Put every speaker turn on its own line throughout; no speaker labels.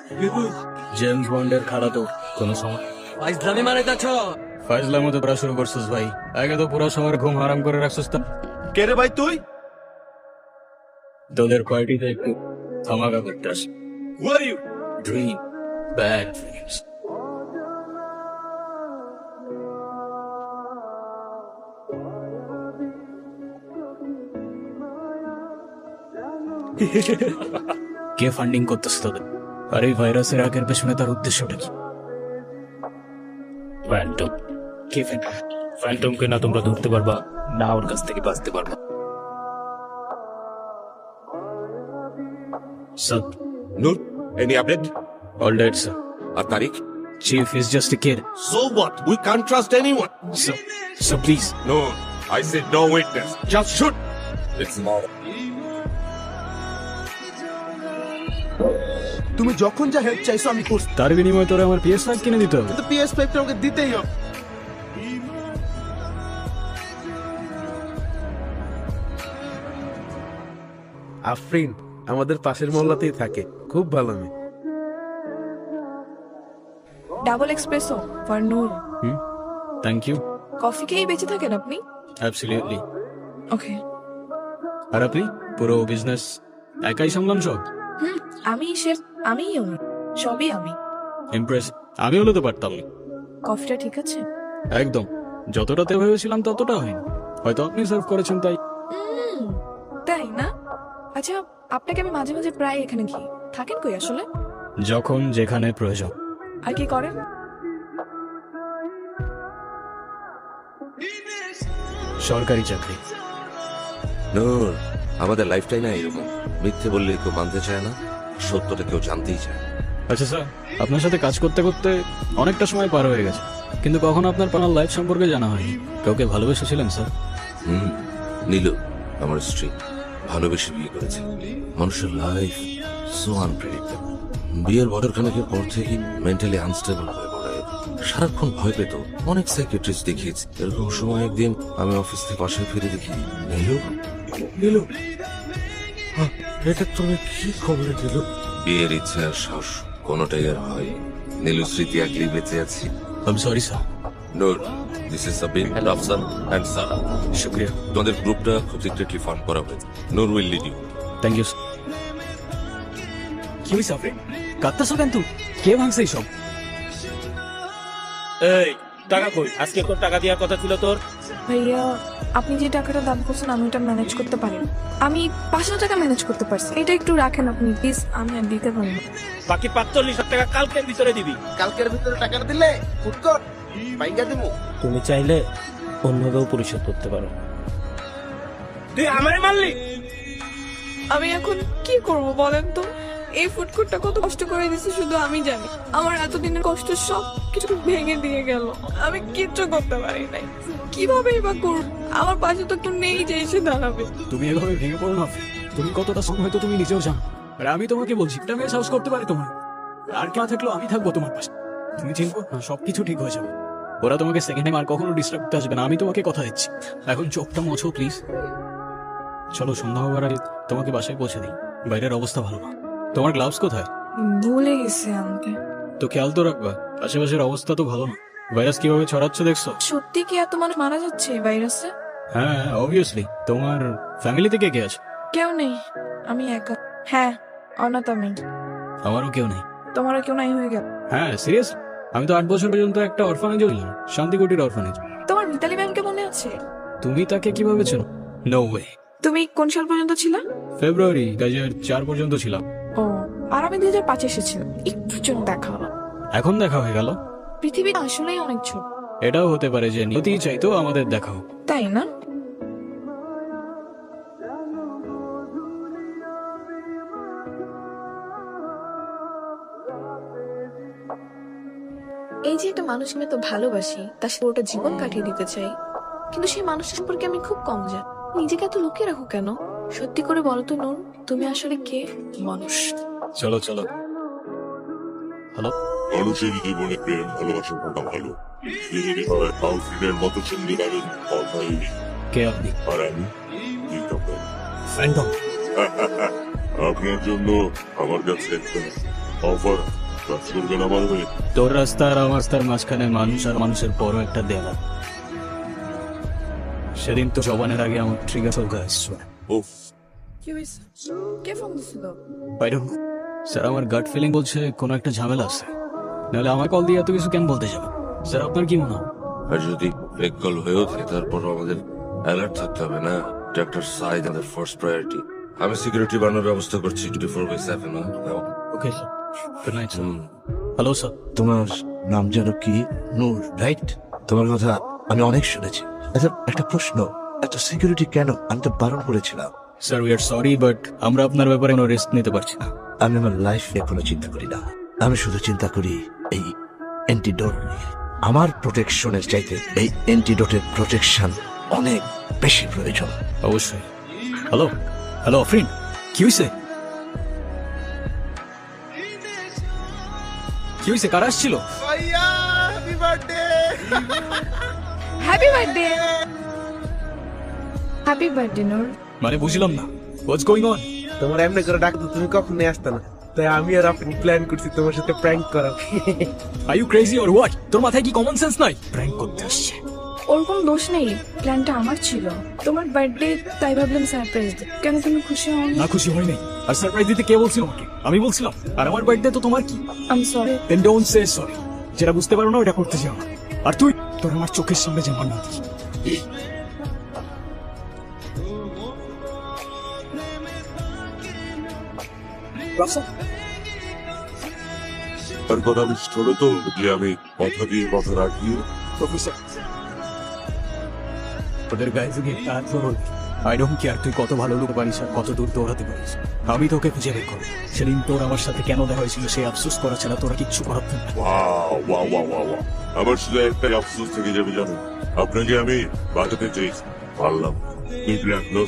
James বন্ডের খালা তো কোনো সময়
ইসলামী মানে যাচ্ছ
ফাইজলার মতো পড়া শুরু করছিস ভাই। আগে তো পুরো সময় ঘুম হারাম করে রাখছিস। তা
কে রে ভাই তুই?
তোদের পার্টিতে একটু ধামাকা করতে আসি।
Who are you?
Dream bad dreams. কে ফান্ডিং করতেছে তোদের? আর এই ভাইরাসের আগের পেছনে তার উদ্দেশ্যটা কি? ফ্যান্টম। কে ফ্যান্টম? ফ্যান্টমকে না তোমরা ধরতে পারবা, না ওর কাছ থেকে বাঁচতে পারবা। Sir,
Noor, any update?
all dead, sir.
আর Tariq?
Chief is just a kid.
So what? We can't trust anyone.
So please.
No, I said no witness. Just shoot. It's more.
তুমি যখন যা হেল্প চাইছো আমি করছি,
তার বিনিময়ে তোরা আমার PS5 কিনে দিতে হবে।
কিন্তু PS5 টা ওকে দিতেই হবে। আফরিন আমাদের পাশের মহল্লাতেই থাকে, খুব ভালো মেয়ে।
Double espresso for Noor.
Thank you.
Coffee খেয়েই বেঁচে থাকেন আপনি?
অ্যাবসলিউটলি।
ওকে।
আর আপনি পুরো বিজনেস একাই সামলান সব?
আমি শেফ, আমিই ওনার, সবই আমি।
ইমপ্রেস। আমি হলে তো পারতাম না।
কফিটা ঠিক আছে?
একদম, যতটাতে ভেবেছিলাম ততটা হয়নি। হয়তো আপনি সার্ভ করেছেন তাই।
তাই না? আচ্ছা, আপনাকে আমি মাঝে মাঝে প্রায় এখানে কি থাকেন কই আসলে?
যখন যেখানে প্রয়োজন।
আর কি করেন?
সরকারি চাকরি।
নূর, আমাদের লাইফটাই না এরকম, মিথ্যে বললে কেউ মানতে চায় না, সত্যটা কেউ জানতেই চায় না।
আচ্ছা স্যার, আপনার সাথে কাজ করতে করতে অনেকটা সময় পার হয়ে গেছে, কিন্তু কখনো আপনার পানার লাইফ সম্পর্কে জানা হয়নি। কাউকে ভালোবেসেছিলেন স্যার?
নীলু আমার স্ত্রী, ভালোবেসে বিয়ে করেছে। মানুষের লাইফ সো আনপ্রেডিক্টেবল। বিয়ের বছরখানেকের পর থেকে মেন্টালি আনস্টেবল হয়ে পড়ে, সারাক্ষণ ভয় পেত। অনেক সাইকিয়াট্রিস্ট দেখিয়েছি। এরকম সময় একদিন আমি অফিস থেকে বাসায় ফিরে দেখি নীলু। নীলু, এটা তুমি কি খবর দিল? বিয়ের ইচ্ছা আর সাহস কোনোটাই আর হয়। নীলু স্মৃতি একলি বেঁচে আছি।
I sorry sir.
Noor, this is Sabin, Rafsan and Sara.
শুক্রিয়া।
তোমাদের গ্রুপটা খুব সিক্রেটলি ফর্ম করা হয়েছে। Noor will lead you.
Thank you. কি হয়েছে আপনি কাঁদতেছো কেন? তুই কে ভাঙছে এইসব?
এই টাকা কই? আজকে তোর টাকা দেওয়ার কথা ছিল তোর।
ভাইয়া, আপনি যে টাকাটা দাবি করছেন আমি ওটা ম্যানেজ করতে পারি না। আমি 500 টাকা ম্যানেজ করতে পারছি, এটা একটু রাখেন আপনি প্লিজ, আমি আর দিতে পারি না।
বাকি 45,000 টাকা কালকের ভিতরে দিবি।
কালকের ভিতরে টাকাটা দিলে ফুটকর বাইঙ্গা দিমু।
তুমি চাইলে অন্যভাবেও পরিশোধ করতে পারো। তুই আমারে মারলি?
আমি এখন কি করব বলেন তো? এই ফুডকোর্টটা কত কষ্ট করে দিয়েছে শুধু আমি জানি। আমার এতদিনের কষ্ট সব কিছু ভেঙে দিয়ে গেল, আমি কিচ্ছু করতে পারি নাই। কিভাবে বা করব? আমার পাশে তো কেউ নেই যে এসে দাঁড়াবে।
তুমি এভাবে ভেঙে পড়ো না। তুমি কতটা সময় হয়তো তুমি নিজেও জানো। আর আমি তোমাকে বলছি, এটা আমি সাহস করতে পারি তোমার। আর কেউ থাকলেও আমি থাকবো তোমার পাশে। তুমি চিনবো না, সবকিছু ঠিক হয়ে যাবে। ওরা তোমাকে সেকেন্ড টাইম আর কখনো ডিস্টার্ব করতে আসবে না, আমি তোমাকে কথা দিচ্ছি। এখন চোখটা মোছো প্লিজ। চলো, সন্ধ্যা হবার আগে তোমাকে বাসায় পৌঁছে দিই। বাইরের অবস্থা ভালো না। তোমার গ্লাভস কোথায়?
ভুলে গেছে আনতে।
তো খেয়াল তো রাখবা, আশেপাশের অবস্থা তো ভালো না। ভাইরাস কিভাবে ছড়াচ্ছে দেখছো?
সত্যি কি এত মানুষ মারা যাচ্ছে এই ভাইরাসে?
হ্যাঁ, অবভিয়াসলি। তোমার ফ্যামিলিতে কে কে আছে?
কেউ নেই, আমি একা। হ্যাঁ, অনাথ আমি।
আমারও কেউ নেই।
তোমারও কেউ নাই হয়ে গেল?
হ্যাঁ, সিরিয়াস। আমি তো 8 বছর পর্যন্ত একটা অরফানেজে ছিলাম, শান্তিকুটির অরফানেজ।
তোমার মিতালি ম্যামকে মনে আছে?
তুমি তাকে কিভাবে চেনো? No way.
তুমি কোন সাল পর্যন্ত ছিলা?
ফেব্রুয়ারি 2004 পর্যন্ত ছিলাম।
ও, আর আমি 2005 এসেছিলাম। একটু জন্য দেখা হলো।
এখন দেখা হয়ে গেল।
পৃথিবী আসলেই অনেক ছোট।
এটাও হতে পারে যে নিয়তিই চাইতো আমাদের দেখা হোক।
তাই না? এই যে একটা মানুষকে আমি তো ভালোবাসি, তার সাথে ওটা জীবন কাটিয়ে দিতে চাই, কিন্তু সেই মানুষের সম্পর্কে আমি খুব কম জানি। নিজেকে এত লুকিয়ে রাখো কেন? সত্যি করে বলো তো নূর, তুমি আসলে কে? মানুষ।
চলো চলো। হ্যালো।
মানুষের জীবনে প্রেম ভালোবাসা থাকা ভালো। আউটফিটের মতো সুন্দর আমি কথাইনি।
কে আপনি?
আর আমি
ফ্যান্টম।
আপনার জন্য আমার কাছে একটা অফার কাজ করবেন আমার হয়ে।
তোর রাস্তা আর আমার রাস্তার মাঝখানে মানুষ আর মানুষের বড় একটা দেওয়াল। সেদিন তো জবানের আগে আমার ট্রিগার চলকা আসছে।
উফ,
কি হয়েছে? কে ফোন দিছিল?
I don't know. স্যার আমার গাট ফিলিং বলছে কোনো একটা ঝামেলা আছে, নাহলে আমার কল দিয়ে এত কিছু কেন বলতে যাবে? স্যার আপনার কি মনে হয়?
আর যদি ফেক কল হয়েও থাকে তারপরও আমাদের অ্যালার্ট থাকতে হবে না? ডাক্তার সাইদ আমাদের ফার্স্ট প্রায়োরিটি। আমি সিকিউরিটি বানানোর ব্যবস্থা করছি 24/7।
Okay sir, good night sir. Hello sir.
তোমার নাম যেন কি? নূর, রাইট? তোমার কথা আমি অনেক শুনেছি। আচ্ছা, একটা প্রশ্ন, এত সিকিউরিটি কেন? আমি তো বারণ করেছিলাম।
Sir we are sorry, but আমরা আপনার ব্যাপারে কোনো রিস্ক নিতে পারছি না।
আমি আমার লাইফ নিয়ে কোনো চিন্তা করি না, আমি শুধু চিন্তা করি এই অ্যান্টিডোট নিয়ে। আমার প্রোটেকশনের চাইতে এই অ্যান্টিডোটের প্রোটেকশন অনেক বেশি প্রয়োজন।
অবশ্যই। হ্যালো হ্যালো ফ্রেন্ড, কি হয়েছে? কি হয়েছে? কারা আসছিল?
Happy birthday. Happy birthday Noor.
মানে বুঝলাম না, হোয়াটস গোয়িং অন?
তোমার এমনি করে ডাকতো, তুমি কখনই আসতে না, তাই আমি আর আপনি প্ল্যান করছি তোমার সাথে প্র্যাঙ্ক করা।
Are you crazy or what? তোর মাথায় কি কমন সেন্স নাই? প্র্যাঙ্ক করতে আসছে।
ওর কোনো দোষ নেই, প্ল্যানটা আমার ছিল। তোমার বার্থডে তাই ভাবলাম সারপ্রাইজ দিই। কেন তুমি খুশি হও?
না খুশি হই নাই। আর সারপ্রাইজ দিতে কে বলছিল আমাকে? আমি বলছিলাম। আর আমার বার্থডে তো তোমার কি?
I am sorry.
Then don't say sorry. যেটা বুঝতে পারো না ওটা করতে যাও না। আর তুই তোর আমার চোখের সামনে যেন না দেখি।
তার কথা বিশ্বাস করো তো যে আমি কথা দিয়ে কথা রাখি।
প্রফেসর, ওদের গায়ে যদি একটা হাত ধরো, আই ডোন্ট কেয়ার তুই কত ভালো লোক পারিস আর কত দূর দৌড়াতে পারিস, আমি তোকে খুঁজে বের করবো। সেদিন তোর আমার সাথে কেন দেখা হয়েছিল সেই আফসোস করা ছাড়া তোরা কিচ্ছু করার না।
ওয়াও, আমার শুধু একটাই আফসোস থেকে যাবে জানো, আপনাকে আমি বাঁচাতে চেয়েছি, পারলাম না। বুঝলে আপনার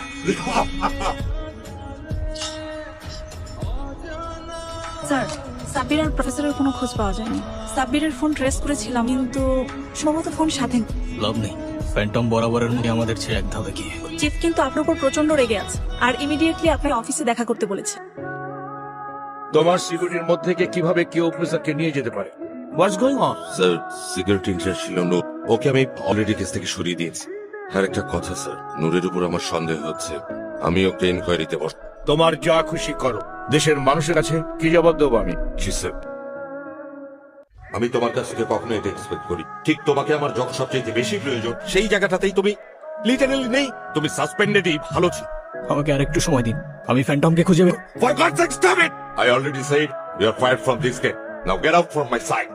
স্যার, সাব্বির আর প্রফেসরের কোনো খোঁজ পাওয়া যায়নি। সাব্বিরের ফোন ট্রেস করেছিলাম, কিন্তু সম্ভবত ফোন সাথে নেই।
লাভ নেই, ফ্যান্টম বরাবরের মধ্যে আমাদের ছেড়ে এক ধাপে গিয়ে।
চিফ কিন্তু আপনার উপর প্রচন্ড রেগে আছে আর ইমিডিয়েটলি আপনার অফিসে দেখা করতে বলেছে।
তোমার সিকিউরিটির মধ্যে কিভাবে কেউ অফিসারকে নিয়ে যেতে পারে? What's going on?
Sir, security incharge ছিল নূর, ওকে আমি অলরেডি কেস থেকে সরিয়ে দিয়েছি। আর একটা কথা স্যার, নূরের উপর আমার সন্দেহ হচ্ছে, আমি ওকে ইনকোয়ারিতে বস।
তোমার যা খুশি করো, দেশের মানুষের কাছে কি জবাব দেবো আমি?
জি স্যার। আমি তোমার কাছ থেকে কখনো এটা এক্সপেক্ট করি। ঠিক তোমাকে আমার যখন সবচেয়ে বেশি প্রয়োজন সেই জায়গাটাতেই তুমি লিটারালি নেই। তুমি সাসপেন্ডেডই ভালো ছিল।
আমাকে আর একটু সময় দিন, আমি ফ্যান্টমকে খুঁজে বের।
For God's sake, stop it! I already said you are fired from this game. Now get out from my sight.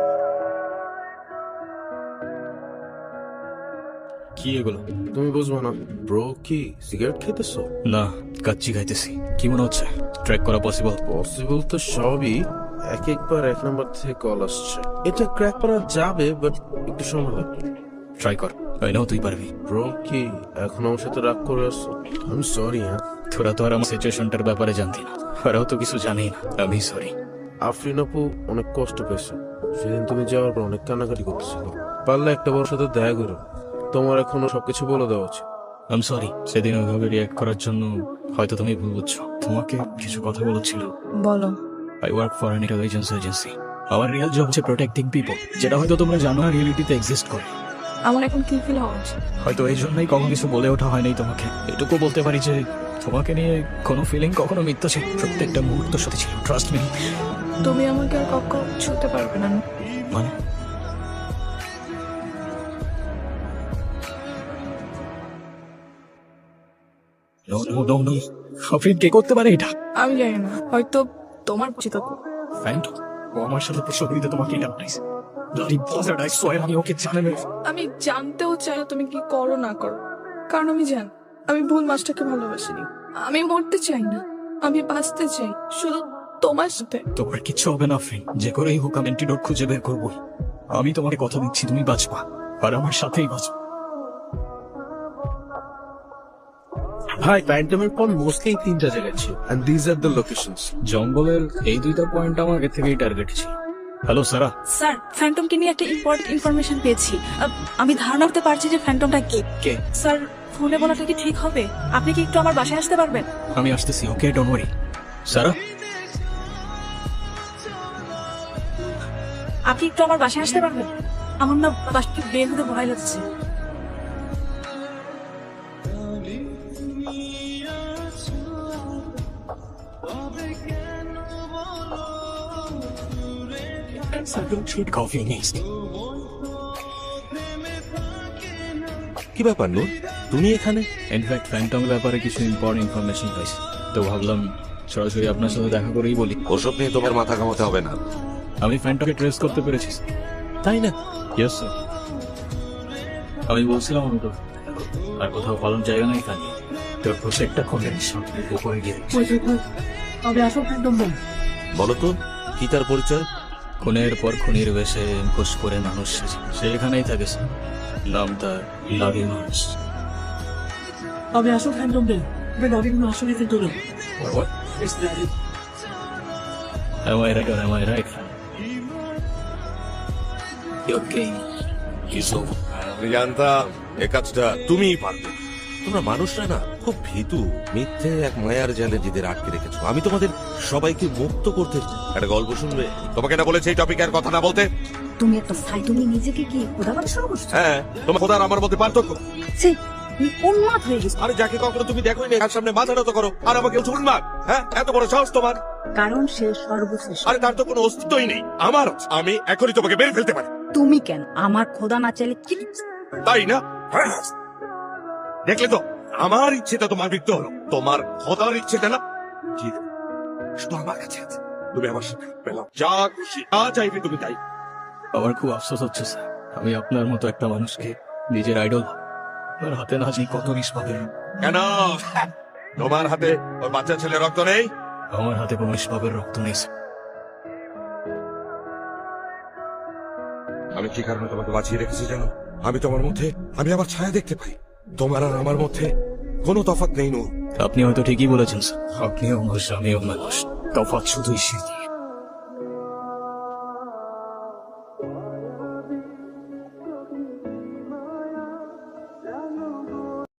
কি এগুলো?
তুমি বুঝবো না ব্রো, কি সিগারেট খেতেছো?
না, কাচ্চি খাইতেছি। কি মনে হচ্ছে ট্র্যাক করা পসিবল?
পসিবল তো সবই, একবার এক নম্বর থেকে কল আসছে। এটা ক্র্যাক করা যাবে, বাট একটু সময় লাগবে।
ট্রাই কর, আই নো তুই পারবি।
ব্রো, কি এখন আমার সাথে রাগ করে আসছো? আমি সরি। হ্যাঁ,
তোরা তো আর আমার সিচুয়েশনটার ব্যাপারে জানতি না, ওরাও তো কিছু জানি না। আমি সরি।
আফরিন আপু অনেক কষ্ট পেয়েছে, সেদিন তুমি যাওয়ার পর অনেক কান্নাকাটি করতেছিল। পারলে একটা বড় সাথে দেখা করো, তোমার এখনো সবকিছু বলে দেওয়া উচিত।
আই এম সরি, সেদিন ওইভাবে রিয়াক্ট করার জন্য হয়তো তুমি ভুল বুঝছো। তোমাকে কিছু কথা বলেছিল।
বলো।
I work for an intelligence agency. আমার রিয়েল জব হচ্ছে প্রোটেক্টিং পিপল, যেটা হয়তো তোমরা জানো না রিয়েলিটিতে এক্সিস্ট করে।
আমার এখন কি ফিল হওয়া উচিত?
হয়তো এই জন্যই কখনো কিছু বলে ওঠা হয়নি তোমাকে। এটুকু বলতে পারি যে তোমাকে নিয়ে কোনো ফিলিং কখনো মিথ্যা ছিল, প্রত্যেকটা মুহূর্ত সাথে ছিল। Trust me.
তুমি আমাকে আর কখনো ছুঁতে পারবে না।
মানে no no no no, Afrin কে করতে পারে এটা?
আমি জানি না, হয়তো তোমার উচিত।
ফ্যান্টম, ও আমার সাথে প্রসব দিতে তোমাকে এটা বানাইছে। ব্লাডি বাজার, আই সোয়ার আমি ওকে জানে না।
আমি জানতেও চাই না তুমি কি করো না করো, কারণ আমি জানি আমি ভুল মাছটাকে ভালোবাসিনি। আমি মরতে চাই না, আমি বাঁচতে চাই শুধু তোমার সাথে।
তোমার কিচ্ছু হবে না আফরিন, যে করেই হোক আমি অ্যান্টিডোট খুঁজে বের করবো। আমি তোমাকে কথা দিচ্ছি, তুমি বাঁচবা আর আমার সাথেই বাঁচবা।
ভাই, প্যান্টমের পর মোস্টলি 3টা জায়গা ছিল, and this are the locations.
জঙ্গলের এই 2টা পয়েন্ট আমার আগে থেকেই টার্গেট ছিল। হ্যালো সারা।
স্যার, ফ্যান্টমকে নিয়ে একটা ইম্পর্টেন্ট ইনফরমেশন পেয়েছি। আমি ধারণা করতে পারছি যে ফ্যান্টমটা কে।
কে?
স্যার, ফোনে বলাটা কি ঠিক হবে? আপনি কি একটু আমার বাসায় আসতে পারবেন?
আমি আসতেছি, ওকে, ডোন্ট ওয়ারি। সারা,
আপনি একটু আমার বাসায় আসতে পারবেন? আমার না বাসায় বের হতে ভয় লাগছে।
Treat coffee next.
কি ব্যাপার নূর, তুমি এখানে?
ইনফ্যাক্ট ফ্যান্টমের ব্যাপারে কিছু ইম্পর্টেন্ট ইনফরমেশন পাইছি, তো ভাবলাম সরাসরি আপনার সাথে দেখা করেই বলি।
ওসব নিয়ে তোমার মাথা ঘামাতে হবে না।
আমি ফ্যান্টমকে ট্রেস করতে পেরেছি।
তাই না?
Yes sir. আমি বলছিলাম তো আর কোথাও পালন জায়গা নাই খালি, তোর প্রত্যেকটা খোঁজের সামনে উপরে গিয়ে
তবে আসল ফ্যান্টম বল।
বলো তো, কি তার পরিচয়?
খুনের পর খুনির বেশে মুখোশ করে মানুষ সেজে সে এখানেই থাকে স্যার। নাম তার লাভি মানুষ।
তবে আসল ফ্যান্টম বল। দাবিগুলো আসলে phantom.
Am I right or am I right? Okay. কিছু
আমি জানতাম এ কাজটা তুমিই পারবে। তোমরা মানুষরা না খুব ভীতু, মিথ্যে এক মায়ার জালে নিজেদের আটকে রেখেছো। আমি তোমাদের সবাইকে মুক্ত করতে একটা গল্প শুনবে। তোমাকে না বলেছে এই টপিকের কথা না বলতে?
তুমি একটা সাই, তুমি নিজেকে কি খোদা বানা শুরু করছো?
হ্যাঁ, তোমার খোদার আমার মধ্যে পার্থক্য।
ছি, তুমি উন্মাদ হয়ে গেছো।
আরে যাকে কখনো তুমি দেখোই না তার সামনে মাথা নত করো আর আমাকে উন্মাদ। হ্যাঁ, এত বড় সাহস তোমার?
কারণ সে সর্বশ্রেষ্ঠ।
আরে তার তো কোনো অস্তিত্বই নেই। আমার আছে। আমি এখনই তোমাকে মেরে ফেলতে পারি।
তুমি কেন? আমার খোদা না চাইলে কি?
তাই না? হ্যাঁ। দেখলে তো, আমার ইচ্ছেটা তোমার মৃত্যু হলো, তোমার খোদার ইচ্ছেটা না। জি, শুধু আমার কাছে আছে। তুমি আমার সাথে পেলাম যা খুশি যা চাইবে তুমি তাই।
আমার খুব আফসোস হচ্ছে স্যার, আমি আপনার মতো একটা মানুষকে নিজের আইডল আপনার হাতে না জানি কত রিস পাবে।
কেন তোমার হাতে ওই বাচ্চা ছেলে রক্ত নেই?
আমার হাতে কোনো নিষ্পাপের রক্ত নেই স্যার।
আমি কি কারণে তোমাকে বাঁচিয়ে রেখেছি জানো? আমি তোমার মধ্যে আমি আমার ছায়া দেখতে পাই। তোমার আর আমার মধ্যে কোনো তফাৎ নেই নূর।
আপনি হয়তো ঠিকই বলেছেন স্যার, আপনিও মানুষ আমিও মানুষ, তফাৎ শুধুই শীত।